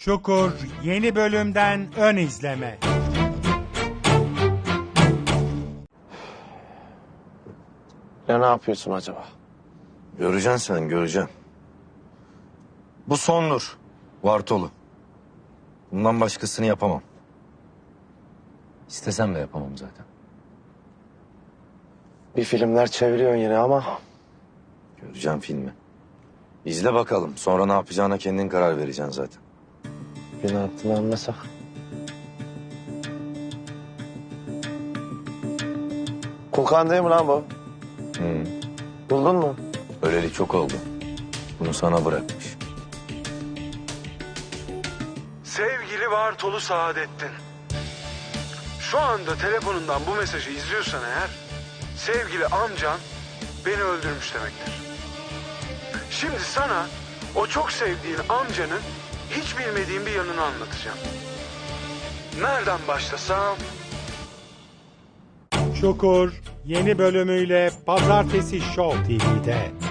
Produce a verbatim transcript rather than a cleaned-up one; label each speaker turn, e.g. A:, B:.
A: Çukur yeni bölümden ön izleme.
B: Ya ne yapıyorsun acaba?
C: Göreceksin sen, göreceksin. Bu sondur. Vartolu. Bundan başkasını yapamam. İstesem de yapamam zaten.
B: Bir filmler çeviriyorsun yine ama
C: Göreceğim filmi. İzle bakalım. Sonra ne yapacağına kendin karar vereceksin zaten.
B: gün altına almasak. Kulkan değil mi lan bu?
C: Hı.
B: Buldun mu?
C: Öleli çok oldu. Bunu sana bırakmış.
D: Sevgili Bartolu Saadettin. Şu anda telefonundan bu mesajı izliyorsan eğer, sevgili amcan beni öldürmüş demektir. Şimdi sana o çok sevdiğin amcanın hiç bilmediğin bir yanını anlatacağım. Nereden başlasam?
A: Çukur yeni bölümüyle Pazartesi Show T V'de.